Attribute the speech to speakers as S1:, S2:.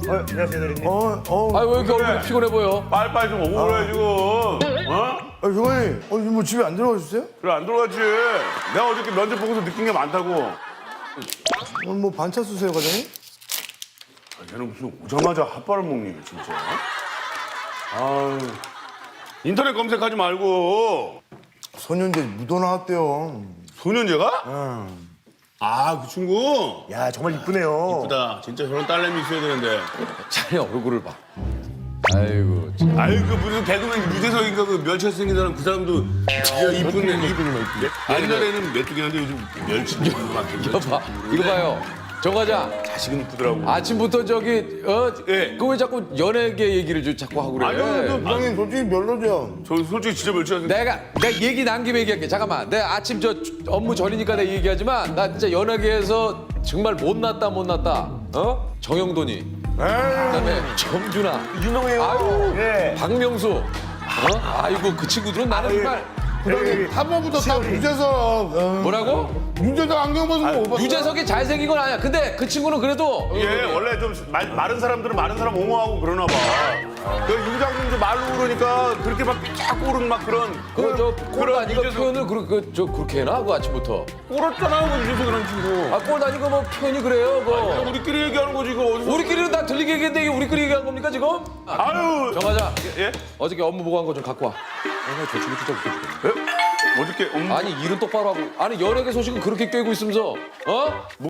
S1: 안녕하세요, 대리님.
S2: 아 왜 이렇게 얼굴이 피곤해 보여?
S3: 빨리빨리 좀 오고 그래 지금. 어?
S4: 교관님, 뭐 집에 안 들어가셨어요?
S3: 그래 안 들어갔지. 내가 어저께 면접 보고서 느낀 게 많다고.
S4: 오늘 뭐 반차 쓰세요, 과장님?
S3: 아, 쟤는 무슨 오자마자 핫바를 먹니 진짜. 아유. 인터넷 검색하지 말고.
S4: 소년제 묻어 나왔대요.
S3: 소년제가? 아, 그 친구?
S1: 야, 정말 이쁘네요.
S3: 이쁘다. 진짜 저런 딸내미 있어야 되는데.
S2: 자네 얼굴을 봐. 아이고 참.
S3: 아유, 그 무슨 개그맨 유재석인가 그 멸치에서 생긴 사람 그 사람도 진짜 이쁜 애. 옛날에는 메뚜기인데 요즘 멸치
S2: 이거 봐. 이거 봐요. 정 과장.
S3: 자식은 이쁘더라고.
S2: 아침부터 저기
S3: 예.
S2: 그 왜 자꾸 연예계 얘기를 자꾸 하고 그래?
S4: 과장님 솔직히 별로죠.
S3: 저 솔직히 진짜 멸치 같은.
S2: 내가 얘기 난 김에 얘기할게. 잠깐만. 내가 아침 저 업무 전이니까 내가 얘기하지만 나 진짜 연예계에서 정말 못났다. 정영돈이. 그다음에 정준하.
S1: 유명해요.
S2: 아유.
S1: 예.
S2: 박명수. 아이고 그 친구들은 나는 정말
S4: 과장님, 탑버부터 다 유재석.
S2: 뭐라고?
S4: 유재석 안경 벗으면 못 봤어요?
S2: 유재석이 잘생긴 건 아니야. 근데 그 친구는 그래도
S3: 예, 원래 좀 마른 사람들은 마른 사람 옹호하고 그러나 봐. 그 유장님 좀 말로 그러니까 그렇게 막 삐짝 오른 막 그런.
S2: 그저 꼴 아니고
S3: 유재석-
S2: 표현을 그렇게 해놔 그 아침부터.
S3: 꼴었잖아, 그 유재석이라는 친구.
S2: 아 꼴 아니고 뭐 표현이 그래요. 뭐.
S3: 우리끼리 얘기하는 거지, 이거 어디서.
S2: 우리끼리는 다 들리게 얘기했는데 이게 우리끼리 얘기한 겁니까 지금?
S3: 아유.
S2: 정하자.
S3: 예?
S2: 어저께 업무 보고한 거 좀 갖고 와. 저 친구 진짜 웃겨 죽겠네.
S3: 어저께
S2: 아니 일은 똑바로 하고. 아니 연예계 소식은 그렇게 꿰고 있으면서 어?